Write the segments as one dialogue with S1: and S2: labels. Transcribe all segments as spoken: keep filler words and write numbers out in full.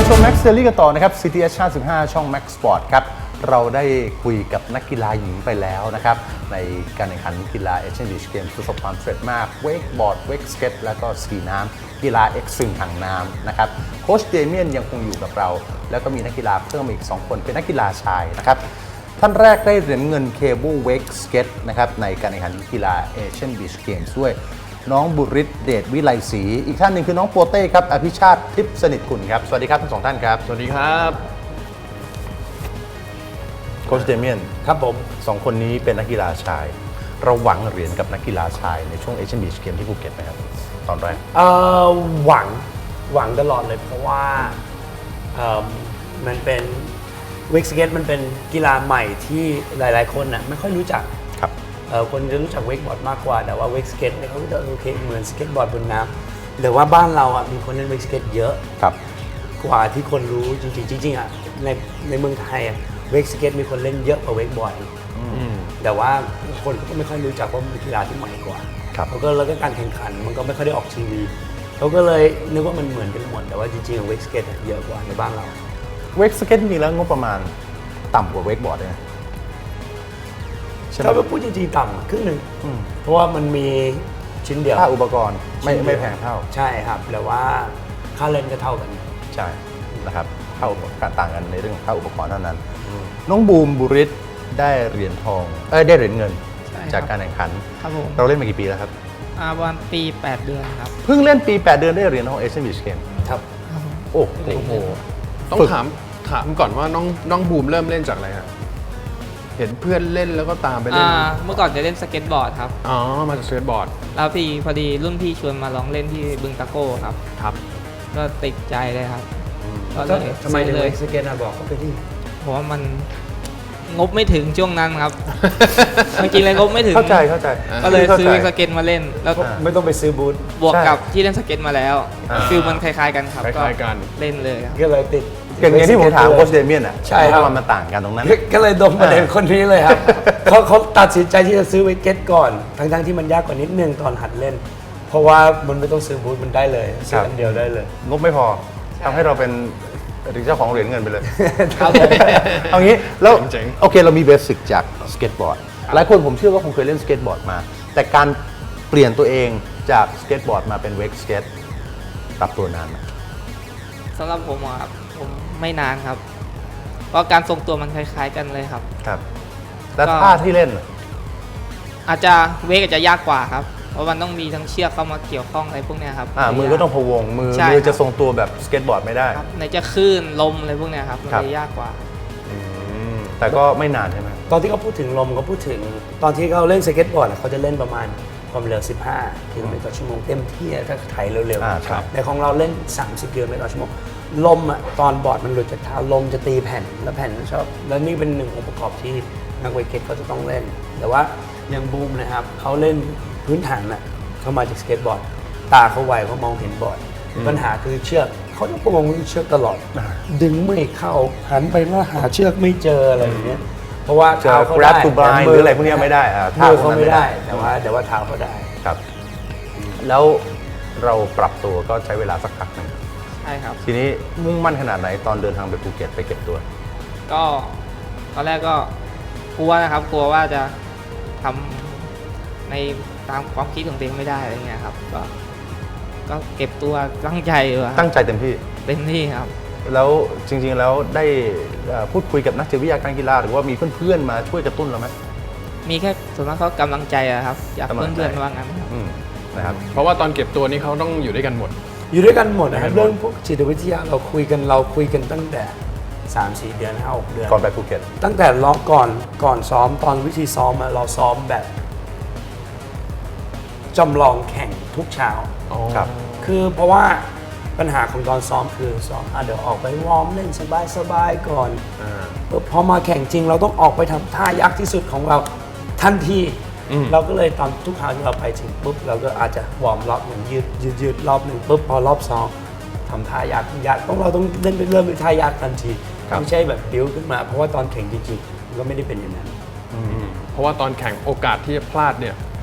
S1: ชม Max Series กันต่อนะครับ ซี ที เอช ห้าสิบห้า ช่อง Max Sport ครับเราได้คุยกับนักกีฬาหญิงไปแล้วนะครับในการแข่งขันกีฬา Asian Beach Games ประสบความสำเร็จมากเวกบอร์ดเวกสเก็ตแล้วก็สกีน้ำกีฬาเอ็กซ์ตรีมทางน้ำนะครับโค้ชเดเมียนยังคงอยู่กับเราแล้วก็มีนักกีฬาเพิ่มอีกสองคนเป็นนักกีฬาชายนะครับท่านแรกได้เหรียญเงินเคเบิลเวกสเก็ตนะครับในการแข่งขันกีฬา Asian Beach Games ด้วยน้องบุริศเดชวิไลศรีอีกท่านหนึ่งคือน้องโปเต้ครับอภิชาติทิพย์สนิทกุลครับสวัสดีครับทั้งสองท่านครับ
S2: สวัสดีครับ
S1: โค้ชเดเมียน
S3: ครับผม
S1: สองคนนี้เป็นนักกีฬาชายเราหวังเหรียญกับนักกีฬาชายในช่วง Asian Beach Games ที่ภูเก็ตไหมครับตอนแรก
S3: เอ่อหวังหวังตลอดเลยเพราะว่าเอ่อมันเป็นเวกสเก็ตมันเป็นกีฬาใหม่ที่หลายๆคนน่ะไม่ค่อยรู้จัก
S1: ครับ
S3: เอ่อคนจะรู้จักเวกบอร์ดมากกว่าแต่ว่าเวกสเก็ตเนี่ยเขาจะโอเคเหมือนสเก็ตบอร์ดบนน้ำแต่ว่าบ้านเราอ่ะมีคนเล่นเวกสเก็ตเยอะ
S1: ครับ
S3: กว่าที่คนรู้จริงๆจริงๆอ่ะในในเมืองไทยอ่ะเวกสเก็ตมีคนเล่นเยอะกว่าเวกบอร์ดแต่ว่าคนก็ไม่ค่อยรู้จักว่ามันเป็นกีฬาที่ใหม่กว่าเขาก็แล้วก็การแข่งขันมันก็ไม่ค่อยได้ออกทีวีเขาก็เลยนึกว่ามันเหมือนกันหมดแต่ว่าจริงๆเวกสเก็ตเยอะกว่าในบ้านเรา
S1: เวกสเก็ตจริงๆแล้วงบประมาณต่ำกว่าเวกบอร์ดเลย
S3: ถ้าพูดจริงๆต่ำครึ่งหนึ่งเพราะว่ามันมีชิ้นเดียว
S1: ค่าอุปกรณ์ไม่ไม่แพงเท่า
S3: ใช่ครับแต่ว่าค่าเล่นก็เท่ากัน
S1: ใช่นะครับเท่ากันต่างกันในเรื่องของค่าอุปกรณ์เท่านั้นน้องบูมบุริศได้เหรียญทองเอ้ยได้เหรียญเงินจากการแข่งขันเราเล่นมากี่ปีแล้วครับ
S4: ประมาณปีแปดเดือนครับ
S1: เพิ่งเล่นปีแปดเดือนได้เหรียญทอง Asian Beach Games
S3: ครับ
S1: โอ้โห
S2: ต้องถามถามก่อนว่าน้องน้องบูมเริ่มเล่นจากอะไรครับเห็นเพื่อนเล่นแล้วก็ตามไปเล่น
S4: เมื่อก่อนจะเล่นสเก็ตบอร์ดครับ
S2: อ๋อมาจากสเก็ตบอร์ด
S4: แล้วพี่พอดีรุ่นพี่ชวนมาลองเล่นที่บึงตะโก้ครับ
S2: ครับ
S4: ก็ติดใจเลยครับ
S3: ก็เลยทำไมเลยสเก็ตบอกเขาไปที่
S4: เพราะว่ามันงบไม่ถึงช่วงนั้นครับจริงๆเลยงบไม่ถึง
S1: เข้าใจเข้าใจ
S4: ก็เลยซื้อสเก็ตมาเล่นแล้ว
S3: ไม่ต้องไปซื้อบูท
S4: บวกกับที่เล่นสเก็ตมาแล้วฟิลมันคล้ายๆกันครับ
S2: คล้ายๆกัน
S4: เล่นเลย
S3: ก็เลยติด
S1: อย่างนี้ที่ผมถามโค้ชเดเมียนอ่ะใช่ครับมันต่างกันตรงนั้น
S3: ก็เลยดมประเด็นคนนี้เลยครับเขาเขาตัดสินใจที่จะซื้อเวกเก็ตก่อนทั้งๆที่มันยากกว่านิดนึงตอนหัดเล่นเพราะว่ามันไม่ต้องซื้อบูทมันได้เลยซื้ออันเดียวได้เลย
S1: งบไม่พอทำให้เราเป็นเจ้าของเหรียญเงินไปเลยเอางี้แล้วโอเคเรามีเบสิกจากสเก็ตบอร์ดหลายคนผมเชื่อว่าคงเคยเล่นสเก็ตบอร์ดมาแต่การเปลี่ยนตัวเองจากสเก็ตบอร์ดมาเป็นเวกสเก็ตปรับตัวนานไหม
S4: สำหรับผมครับผมไม่นานครับเพราะการทรงตัวมันคล้ายๆกันเลยครับ
S1: ครับแล้วท่าที่เล่น
S4: อาจจะเวกอาจจะยากกว่าครับเพราะมันต้องมีทั้งเชือกเข้ามาเกี่ยวข้องอะไรพวกนี้ครับ
S1: อ่ามือก็ต้องพะวงมือมือจะทรงตัวแบบสเก็ตบอร์ดไม่ได้
S4: ในจะคลื่นลมอะไรพวกนี้ครับมันจะยากกว่า
S1: แต่ก็ไม่นานใช่ไหม
S3: ตอนที่เขาพูดถึงลมเขาพูดถึงตอนที่เขาเล่นสเก็ตบอร์ดเขาจะเล่นประมาณความเร็วสิบห้ากิโลเมตรต่อชั่วโมงเต็มที่ถ้าไถเร็วๆแต่ของเราเล่นสามสิบกิโลเมตรต่อชั่วโมงลมอ่ะตอนบอร์ดมันหลุดจากเท้าลมจะตีแผ่นแล้วแผ่นชอบแล้วนี่เป็นหนึ่งองค์ประกอบที่นักเวกเก็ตเขาจะต้องเล่นแต่ว่าอย่างบูมนะครับเขาเล่นพื้นฐานอ่ะเขามาจากสเก็ตบอร์ดตาเขาไวเขามองเห็นบอร์ดปัญหาคือเชือกเขาต้องมองเชือกตลอดดึงไม่เข้าหันไปแล้วหาเชือกไม่เจออะไรอย่างเงี้ยเพราะว่าเท้าเขาได้
S1: หรืออะไรพวกนี้ไม่ได้
S3: เท้าเขาไม่ได้แต่ว่าแต่ว่าเท้าเขาได้
S1: ครับแล้วเราปรับตัวก็ใช้เวลาสักพักหนึ่ง
S4: ใช่ครับ
S1: ทีนี้มุ่งมั่นขนาดไหนตอนเดินทางไปภูเก็ตไปเก็บตัว
S4: ก็ตอนแรกก็กลัวนะครับกลัวว่าจะทำในตามความคิดของตัวเองไม่ได้อะไรเงี้ยครับก็ก็เก็บตัวตั้งใจอยู่
S1: ตั้งใจเต็มที่
S4: เต็มที่ครับ
S1: แล้วจริงๆแล้วได้พูดคุยกับนักจิตวิทยาการกีฬาหรือว่ามีเพื่อนๆมาช่วยกระตุ้นเราไหม
S4: มีแค่ส่วนมากเขากำลังใจอะครับอยากเพื่อนๆว่างั้น
S1: นะครับ
S2: เพราะว่าตอนเก็บตัวนี้เขาต้องอยู่ด้วยกันหมด
S3: อยู่ด้วยกันหมดนะครับเรื่องพวกจิตวิทยาเราคุยกันเราคุยกันตั้งแต่ สามสี่ เดือนห้า หกเดือน
S1: ก่อนไปภูเก็ต
S3: ตั้งแต่ร้องก่อนก่อนซ้อมตอนวิธีซ้อมเราซ้อมแบบจำลองแข่งทุกเช้า
S1: ครับ
S3: คือเพราะว่าปัญหาของตอนซ้อมคือซ้อมเดี๋ยวออกไปวอร์มเล่นสบายๆก่อนพอมาแข่งจริงเราต้องออกไปทำท่ายากที่สุดของเราทันทีเราก็เลยตอนทุกครั้งที่เราไปถึงปุ๊บเราก็อาจจะวอร์มรอบหนึ่งยืดยืดยืดรอบหนึ่งปุ๊บพอรอบสองทำท่ายากยากต้องเราต้องเล่นไปเริ่มเป็นท่ายากทันทีไม่ใช่แบบบิ้วขึ้นมาเพราะว่าตอนแข่งจริงๆก็ไม่ได้เป็นอย่างนั้น
S2: เพราะว่าตอนแข่งโอกาสที่จะพลาดเนี่ย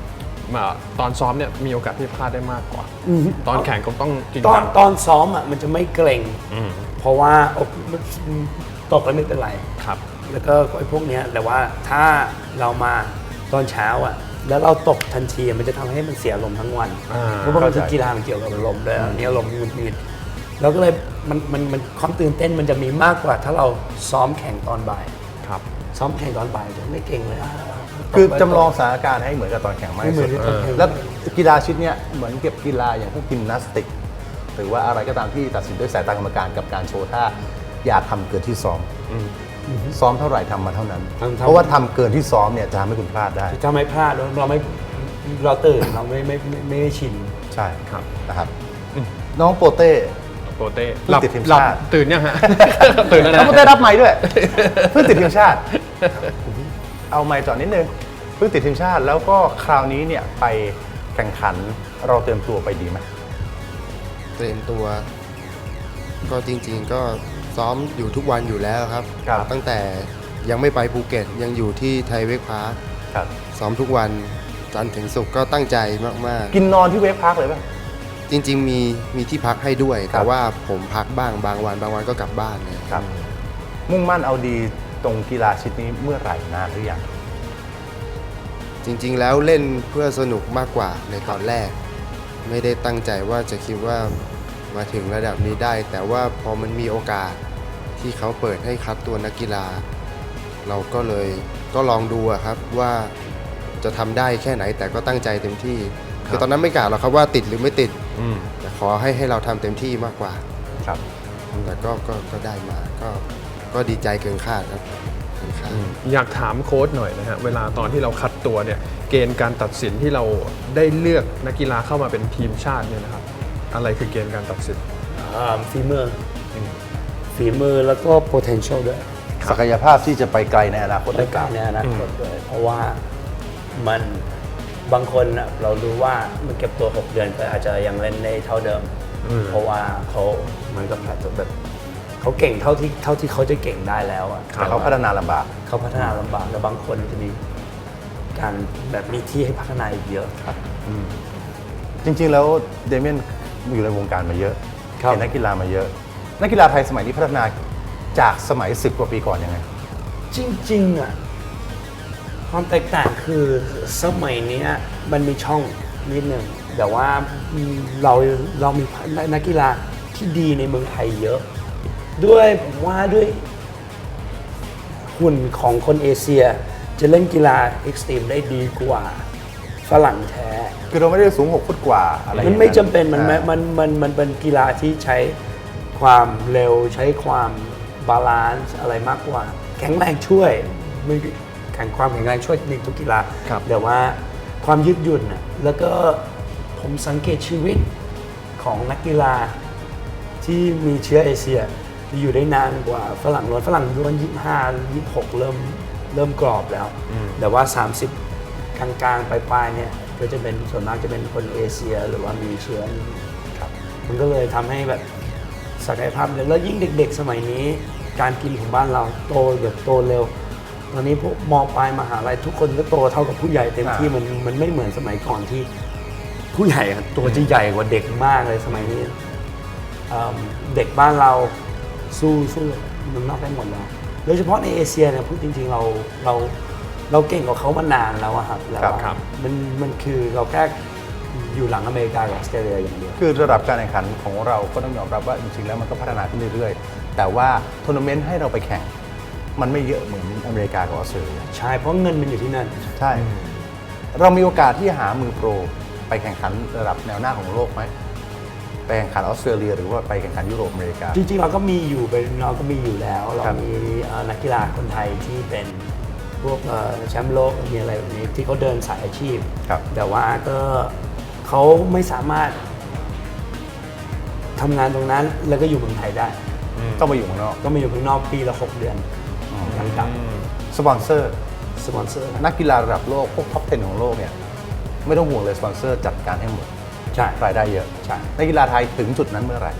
S2: มาตอนซ้อมเนี่ยมีโอกาสที่พลาดได้มากกว่า ตอนแข่งก็ต้องจริง
S3: ตอน
S2: จัง
S3: ตอนซ้อมอ่ะมันจะไม่เกรง
S2: อืม
S3: เพราะว่าโอ้ตกแล้วไม่เป็นไร
S2: ครับ
S3: แล้วก็ไอ้พวกเนี้ยแต่ว่าถ้าเรามาตอนเช้าอ่ะแล้วเราตกทันทีมันจะทำให้มันเสียลมทั้งวัน
S2: อ่า
S3: เพราะว่ามันคือกีฬามันเกี่ยวกับลมด้วยอันนี้ลมมันมีเราก็เลยมันมันมันความตื่นเต้นมันจะมีมากกว่า ถ้าเราซ้อมแข่งตอนบ่าย
S2: ครับ
S3: ซ้อมแข่งตอนบ่ายจะไม่เก่งเลยอ่ะ
S1: คือจำลองสถานการณ์ให้เหมือนกับตอนแข่งมาก
S3: ไม่
S1: ที่
S3: เหมื
S1: สุ
S3: อน
S1: ด
S3: ที่ตอนแข่ง
S1: แล้วกีฬาชนิดเนี้ยเหมือนเก็บกีฬาอย่างพวกยิมนาสติก หรือว่าอะไรก็ตามที่ตัดสินด้วยสายตากรรมการกับการโชว์ท่าอย่าทำเกินที่ซ้อมซ้อมเท่าไหร่ทำมาเท่านั้น เพราะว่าทำเกินที่ซ้อมเนี่ยจะทำให้คุณพลาดได้
S3: จะไม่พลาดเราไม่เราตื่นเราไม่ไม่ไม่ไม่ได้ชิน
S1: ใช่
S2: ครับ
S1: นะครับน้องโปเต้
S2: โปเต้
S1: เพิ่งติดทีม
S2: หลับ
S1: ชาติ
S2: ตื่นยังฮะ ตื่นแล้ว
S1: น้อ
S2: นะ
S1: งโปเต้รับไม้ด้วย เพิ่งติดทีมชาติ เอาไม้จอดนิดนึงเพิ่งติดทีมชาติแล้วก็คราวนี้เนี่ยไปแข่งขันเราเตรียมตัวไปดีไหม
S5: เตรียมตัวก็จริงๆก็ซ้อมอยู่ทุกวันอยู่แล้วครับ
S1: ครับ
S5: ตั้งแต่ยังไม่ไปภูเก็ตยังอยู่ที่ไทยเวกพาร์ค
S1: ครับ
S5: ซ้อมทุกวันจันทร์ถึงศุกร์ก็ตั้งใจมาก
S1: กินนอนที่เวฟพาร์คเลยป่ะ
S5: ๆ จริงๆมีมีที่พักให้ด้วย
S1: ครับ
S5: แต่ว่าผมพักบ้างบางวัน บางวันก็กลับบ้านเลย
S1: ครับ มุ่งมั่นเอาดีตรงกีฬาชนิดนี้เมื่อไหร่นานหรือยัง
S5: จริงๆแล้วเล่นเพื่อสนุกมากกว่าในตอนแรก ไม่ได้ตั้งใจว่าจะคิดว่ามาถึงระดับนี้ได้ แต่ว่าพอมันมีโอกาสที่เขาเปิดให้คัดตัวนักกีฬา เราก็เลยก็ลองดูอะครับว่าจะทำได้แค่ไหน แต่ก็ตั้งใจเต็มที่คือตอนนั้นไม่กล่าวหรอกครับว่าติดหรือไม่ติด
S2: อืม
S5: แต่ขอให้ให้เราทำเต็มที่มากกว่า
S1: ครับ
S5: แต่ก็ก็ก็ได้มาก็ก็ดีใจเกินคาดครับเกินคาด
S2: อยากถามโค้ชหน่อยนะฮะเวลาตอนที่เราคัดตัวเนี่ยเกณฑ์การตัดสินที่เราได้เลือกนักกีฬาเข้ามาเป็นทีมชาติเนี่ยนะครับอะไรคือเกณฑ์การตัดสิน
S3: อ่าฝีมืออฝีมือแล้วก็ potential ด้วย
S1: ศักยภาพที่จะไปไกลในอนาคตหรือเปล่า
S3: ในอนาคตด้วยเพราะว่ามันบางคนน่ะเรารู้ว่ามันเก็บตัว หก เดือนก็อาจจะยังเล่นได้เท่าเดิม เพราะว่าเขาเหมือนกับอาจจะแบบเขาเก่งเท่าที่เท่าที่เขาจะเก่งได้แล้วอะ
S1: แต่เขาพัฒนาลำบาก
S3: เขาพัฒนาลำบากแล้วบางคนจะมีการแบบมีที่ให้พัฒนาอีกเยอะครับ
S1: จริงๆ แล้วเดเมียนอยู่ในวงการมาเยอะ
S3: ครับ
S1: เห็นนักกีฬามาเยอะ นักกีฬาไทยสมัยนี้พัฒนาจากสมัยสิบกว่าปีก่อนยังไง
S3: จริงๆอ่ะความแตกต่างคือสมัยเนี้ยมันมีช่องนิดหนึ่งแต่ว่าเราเรามีนักกีฬาที่ดีในเมืองไทยเยอะ ด้วยผมว่าด้วยหุ่นของคนเอเชีย จะเล่นกีฬาเอ็กซ์ตรีมได้ดีกว่าฝรั่งแท้
S1: คือเราไม่ได้สูงหกฟุตกว่าอะไร
S3: มันไม่จำเป็นมันมันมันมันมันเป็นกีฬาที่ใช้ความเร็วใช้ความบาลานซ์อะไรมากกว่า แข็งแรงช่วยไม่แข่งความแข็งแรงช่วยในทุกกีฬา
S2: ครับ
S3: แต่ว่าความยืดหยุ่นน่ะแล้วก็ผมสังเกตชีวิตของนักกีฬาที่มีเชื้อเอเชียที่อยู่ได้นานกว่าฝรั่งล้วนฝรั่งล้วนยี่สิบห้า ยี่สิบหกเริ่มเริ่มกรอบแล้ว แต่ว่า สามสิบ กลางๆปลายๆเนี่ยก็จะเป็นส่วนมากจะเป็นคนเอเชียหรือว่ามีเชื้อครับมันก็เลยทำให้แบบศักยภาพเยอะแล้วยิ่งเด็กๆ สมัยนี้ การกินของบ้านเราโตแบบโตเร็ว ตอนนี้พวกมปลายมหาลัยทุกคนก็โตเท่ากับผู้ใหญ่เต็มที่มันมันไม่เหมือนสมัยก่อนที่ผู้ใหญ่อะตัวจะใหญ่กว่าเด็กมากเลยสมัยนี้เอิ่มเด็กบ้านเราสู้สู้เมันนอกได้หมดแล้วโดยเฉพาะในเอเชียเนี่ยพูดจริงๆเราเราเราเก่งกว่าเขามานานแล้วอะครับแล้ว
S1: ครับ
S3: อะ
S2: ครับ
S3: มันมันคือเราแค่อยู่หลังอเมริกากับออสเตรเลียอย่างเดียว
S1: คือระดับการแข่งขันของเราก็ต้องยอมรับว่าจริงๆ แล้วมันก็พัฒนาขึ้นเรื่อยๆ แต่ว่าทัวร์นาเมนต์ให้เราไปแข่ง มันไม่เยอะเหมือนอเมริกากับออสเตรเลีย
S3: ใช่เพราะเงินมันอยู่ที่นั่น
S1: ใช่ เรามีโอกาสที่หามือโปรไปแข่งขันระดับแนวหน้าของโลกไหม ไปแข่งขันออสเตรเลียหรือว่าไปแข่งขันยุโรปอเมริกา
S3: จริงๆเราก็มีอยู่เป็นเราก็มีอยู่แล้ว เรา
S1: ครับ
S3: มีเอ่อนักกีฬาคนไทยที่เป็นพวกเอ่อแชมป์โลกมีอะไรแบบนี้ที่เขาเดินสายอาชีพ
S1: ครับ
S3: แต่ว่าก็เขาไม่สามารถทำงานตรงนั้นแล้วก็อยู่เมืองไทยได้
S1: ต้องไปอยู่ข้างนอก
S3: ก็มาอยู่ข้างนอกปีละหกเดือนยังกลับ
S1: สปอนเซอร์
S3: สปอนเซอร์นะ
S1: นักกีฬาระดับโลกพวกท็อปสิบของโลกเนี่ยไม่ต้องห่วงเลยสปอนเซอร์จัดการให้หมด
S3: ใช่
S1: รายได้เยอะ
S3: ใช่
S1: นักกีฬาไทยถึงจุดนั้นเมื่อไหร่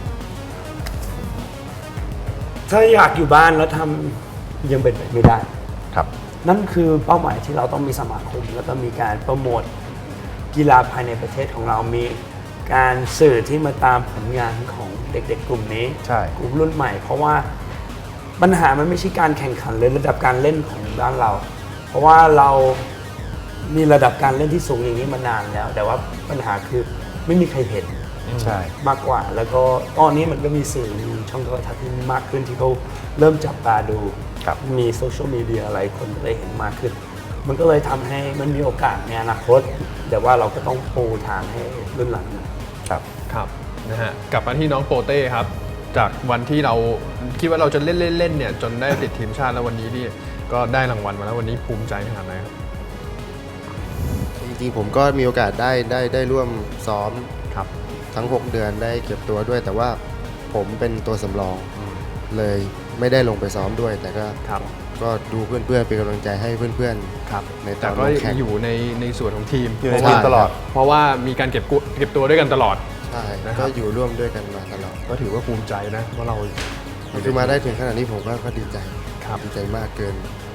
S3: ถ้าอยากอยู่บ้านแล้วทำยังเป็นไปไม่ได้
S1: ครับ
S3: นั่นคือเป้าหมายที่เราต้องมีสมาคม แล้วก็มีการโปรโมทกีฬาภายในประเทศของเรามีการสื่อที่มาตามผลงานของเด็กๆกลุ่มนี้
S1: ใช่
S3: กลุ่มรุ่นใหม่ เพราะว่าปัญหามันไม่ใช่การแข่งขันเลยระดับการเล่นของบ้านเรา เพราะว่าเรามีระดับการเล่นที่สูงอย่างนี้มานานแล้ว แต่ว่าปัญหาคือไม่มีใครเห็น
S1: ใช่
S3: มากกว่า แล้วก็ตอนนี้มันก็มีสื่อมีช่องโทรทัศน์ที่มากขึ้นที่เขาเริ่มจับตาดู
S1: ครับ
S3: มีโซเชียลมีเดียอะไรคนก็เลยเห็นมากขึ้น มันก็เลยทำให้มันมีโอกาสในอนาคต แต่ว่าเราก็ต้องปูทางให้รุ่นหลังหน่อย
S1: ครับ
S2: ครับนะฮะกลับมาที่น้องโปเต้ครับ จากวันที่เราคิดว่าเราจะเล่นเล่นๆเนี่ยจนได้ติดทีมชาติแล้ววันนี้นี่ก็ได้รางวัลมาแล้ววันนี้ภูมิใจขนาดไหนครับ
S5: จริงๆผมก็มีโอกาสได้ได้ได้ร่วมซ้อม
S2: ครับ
S5: ทั้ง หก เดือนได้เก็บตัวด้วย แต่ว่าผมเป็นตัวสำรองเลยไม่ได้ลงไปซ้อมด้วย แต่ก็
S2: ครับ
S5: ก็ดูเพื่อนๆเป็นกำลังใจให้เพื่อน
S2: ครับ
S5: ๆในต
S2: แต่
S5: อน
S2: ก็
S5: ลงแข่ง
S2: อยู่ในในส่วนของทีม
S1: อยู่ใน
S2: เพราะ
S1: ที
S2: ว่าม
S1: ตลอด
S2: เพราะว่ามีการเก็บกุเก็บตัวด้วยกันตลอด
S5: ใช่
S2: นะครับ
S5: ก็อยู่ร่วมด้วยกันมาตลอด
S2: ก็ถือว่าภูมิใจนะว่าเรา
S5: คือมาได้ถึงขนาดนี้ผมก็ก็ดีใจ
S2: ครับ
S5: ดีใจมากเกิน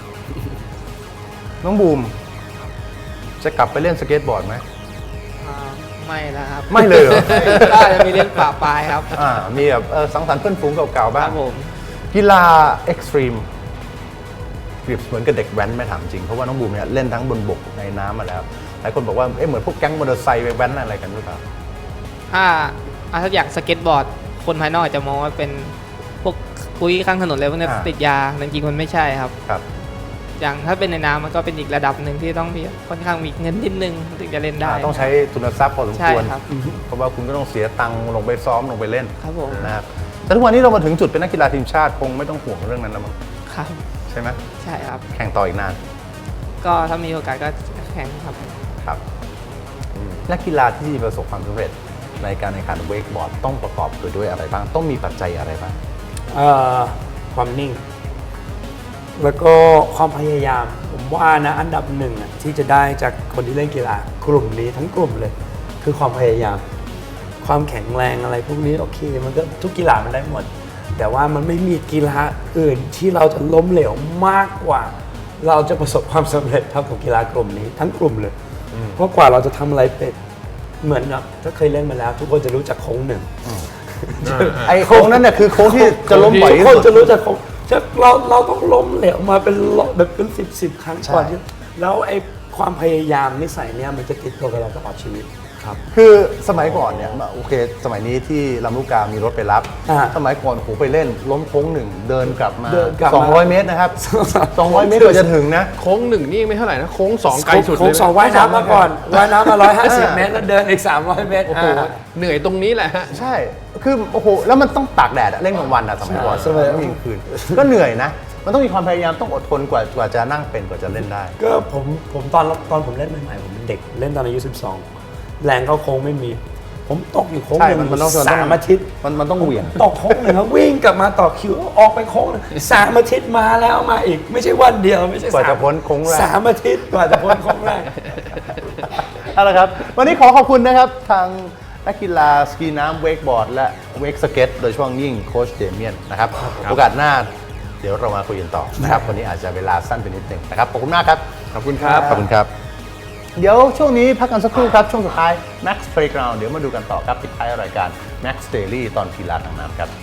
S1: น้องบูม จะกลับไปเล่นสเก็ตบอร์ดไหม
S4: อ่าไม่แล้วครับ
S1: ไม่เลยเหรอ
S4: ก็จะมีเล่นป่าปลายครับ
S1: อ่ามีแบบเออสังสรรค์เพื่อนฝูงเก่าๆ
S4: ค
S1: บ้า
S4: รั
S1: ง
S4: บผม
S1: กีฬาเอ็กซ์ตรีมเปรียบเหมือนกับเด็กแว้นไม่ถามจริง เพราะว่าน้องบูมเนี่ยเล่นทั้งบนบกในน้ำมาแล้ว หลายคนบอกว่าเอ๊ะเหมือนพวกแก๊งมอเตอร์ไซค์ไปแว้นอะไรกันหรือเปล่า
S4: ถ้าอ่าถ้าอย่างสเก็ตบอร์ด คนภายนอกอาจจะมองว่าเป็นพวกคุยข้างถนนเลยพวกนี้
S1: อ่า
S4: ติดยาแต่จริงๆมันไม่ใช่ครับ
S1: ครับ
S4: อย่างถ้าเป็นในน้ำมันก็เป็นอีกระดับหนึ่งที่ต้องมีค่อนข้างมีเงินนิดนึงถึงจะเล่นได้
S1: อ่าต้องใช้ทุนทรัพย์พอสม
S4: ใช่
S1: ควร
S4: ครับ
S1: เพราะว่าคุณก็ต้องเสียตังค์ลงไปซ้อมลงไปเล่น
S4: ครับผม
S1: นะครับแต่ทุกวันนี้เรามาถึงจุดเป็นนักกีฬาทีมชาติคงไม่ต้องห่วงเรื่องนั้นแล้วมั้ง
S4: ครับ
S1: ใช่ไหม
S4: ใช่ครับ
S1: แข่งต่ออีกนาน
S4: ก็ถ้ามีโอกาสก็แข่งครับ
S1: ครับนักกีฬาที่ประสบความสำเร็จในการแข่งขันเวกบอร์ดต้องประกอบไปด้วยอะไรบ้าง ต้องมีปัจจัยอะไรบ้าง
S3: เอ่อความนิ่ง แล้วก็ความพยายาม ผมว่านะอันดับหนึ่งอะที่จะได้จากคนที่เล่นกีฬากลุ่มนี้ทั้งกลุ่มเลย คือความพยายาม ความแข็งแรงอะไรพวกนี้โอเค มันก็ทุกกีฬามันได้หมด แต่ว่ามันไม่มีกีฬาอื่นที่เราจะล้มเหลวมากกว่า เราจะประสบความสำเร็จเท่ากับกีฬากลุ่มนี้ทั้งกลุ่มเลย เพราะกว่าเราจะทำอะไรเป็นเหมือนกับถ้าเคยเล่นมาแล้ว ทุกคนจะรู้จักโค้งหนึ่ง
S1: ไอ้โค้งนั้นเนี่ยคือโค้งที่จะล้มบ่อย
S3: ทุก
S1: ที่
S3: คน
S1: สุด
S3: จะรู้จักโค้งจะเราเราต้องล้มเหลวมาเป็นร้อยแบบเป็นสิบสิบครั้ง
S1: ใช่
S3: ก่อนที่แล้วไอ้ความพยายามนิสัยเนี่ยมันจะติดตัวกับเราตลอดชีวิต
S2: ครับ
S1: คือสมัยก่อนเนี่ยโอเค สมัยนี้ที่ลำลูกกามีรถไปรับ
S3: อ่า
S1: สมัยก่อนโหไปเล่นล้มโค้งหนึ่งเดินกลับมา
S3: เดินกลับมา
S1: สองร้อยเมตรนะครับ สองร้อยเมตรกว่าจะถึงนะ
S2: โค้งหนึ่งนี่ไม่เท่าไหร่นะโค้งสองไกลสุด
S3: โค้
S2: เล
S3: ง
S2: ย
S3: สองว่ายน้ำมาก่อนว่ายน้ำมาร้อยห้าสิบเมตรแล้วเดินอีกสามร้อยเมตร
S2: โอ้โห
S3: อ่า
S2: เหนื่อยตรงนี้แหละฮะ
S1: ใช่ คือโอ้โห แล้วมันต้องตากแดดอะเล่นกลางวันอะสมัยก่อน
S3: ใช่สมัย
S1: ต้องยิงคืน ก็เหนื่อยนะ มันต้องมีความพยายามต้องอดทนกว่ากว่าจะนั่งเป็นกว่าจะเล่นได้
S3: ก็ผมผมตอนตอนผมเล่นใหม่ๆผมเป็นเด็กเล่นตอนอายุสิบสองแรงเข้าโค้งไม่มี ผมตกอยู่โค้ง
S1: ใช่
S3: หนึ่ง
S1: มันมันต้อง
S3: สามอาทิตย์
S1: มันมันต้องเหวี่ยง
S3: ตกโค้งหนึ่งครับวิ่งกลับมาต่อคิวออกไปโค้งหนึ่งสามอาทิตย์มาแล้วมาอีก ไม่ใช่วันเดียวไม่ใช่
S1: กว่าจะ
S3: สม
S1: พ้นโค้งแรก
S3: สามอาทิตย์กว่าจะพ้นโค้งแรก
S1: เอาละครับ วันนี้ขอขอบคุณนะครับ ทางนักกีฬาสกีน้ำเวกบอร์ดและเวกสเก็ตโดยเฉพาะยิ่งโค้ชเดเมียนนะครับ โอกาสหน้าเดี๋ยวเรามาคุยกันต่อนะครับ วันนี้อาจจะเวลาสั้นไปนิดหนึงนะครับ ขอบคุณมากครับ
S2: ขอบคุณครับ
S1: ขอบคุณครับ เดี๋ยวช่วงนี้พักกันสักครู่ครับ ช่วงสุดท้าย Max Playground เดี๋ยวมาดูกันต่อครับปิดท้ายรายการ Max Daily ตอนกีฬาทางน้ำครับ